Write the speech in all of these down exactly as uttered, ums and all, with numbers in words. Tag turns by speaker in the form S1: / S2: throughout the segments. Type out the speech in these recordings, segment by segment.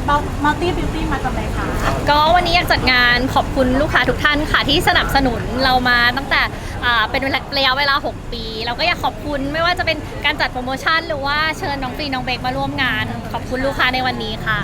S1: มัลตี้บิวตี้มาจากไหนคะ
S2: ก็วันนี้อยากจัดงานขอบคุณลูกค้าทุกท่านค่ะที่สนับสนุนเรามาตั้งแต่อ่าเป็นระยะเวลาหกปีเราก็อยากขอบคุณไม่ว่าจะเป็นการจัดโปรโมชั่นหรือว่าเชิญน้องปีน้องเบกมาร่วมงาน ขอบคุณลูกค้าในวันนี้ค่ะ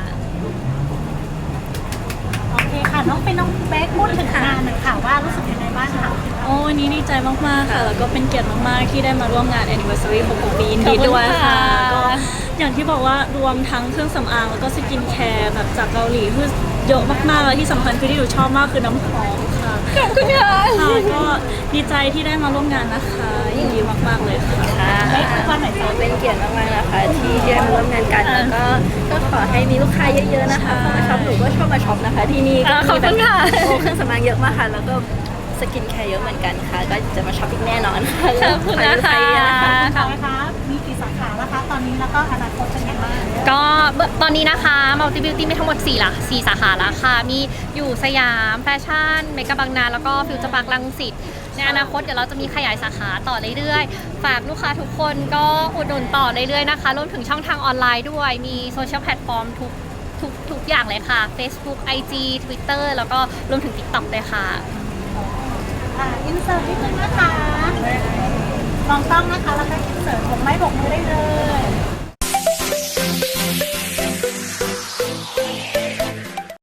S1: โอเคค่ะน้องเป็นน้องเบคพูดถึงงานหน่อยค่ะว่ารู้สึกยังไงบ้างคะ
S3: โอ้วันนี้ดีใจมากๆค่ะแล้วก็เป็นเกียรติมากๆที่ได้มาร่วมงาน anniversary หกปียินดีด้วยค่ะก็อย่างที่บอกว่ารวมทั้งเครื่องสำอางแล้วก็สกินแคร์แบบจากเกาหลีคือเยอะมากๆแล้วที่สำคัญคือที่หนูชอบมากคือน้ำหอมค่ะ
S2: ขอบคุณค่ะ
S3: ค่ะก็ดีใจที่ได้มาร่วมงานนะคะยินดีมากๆเลยค่ะ
S1: เบควันไหนคะ
S4: เป็นเกียรติมากๆนะคะที่ได้มาร่วมงานกันแล้วก็ก็ขอให้มีลูกค้าเยอะๆนะคะเข้ามาช็อปหนูก็ชอบมาช็อปนะคะที่นี่ก็มีแบบโอ้เครื่องสำอางเยอะมากค่ะแล้วก็สกินแคร์เยอะเหมือนกันค่ะก็จะมาช็อปอีกแน่นอนค่ะ
S2: ขอบคุณนะคะ
S1: ค่ะนะคะมีกี่สาขาแล้วคะตอนนี้แล้วก็อนาคตเป็นยังไงบ้าง
S2: ก็ตอนนี้นะคะ Multi Beauty มีทั้งหมด4ละ4สาขาแล้วค่ะมีอยู่สยามแฟชั่นเมกะบางนาแล้วก็ฟิวเจอร์พาร์ครังสิตในอนาคตเดี๋ยวเราจะมีขยายสาขาต่อเรื่อยๆฝากลูกค้าทุกคนก็อุดหนุนต่อเรื่อยๆนะคะรวมถึงช่องทางออนไลน์ด้วยมีโซเชียลแพลตฟอร์มทุกทุกทุกอย่างเลยค่ะ Facebook ไอ จี Twitter แล้วก็รวมถึง TikTok เลยค่ะ
S1: อ่าอินเสิร์ตนิดนึงนะคะมองกล้องนะคะแล้วก็อินเสิร์ตผมไม่บกมือได้เลย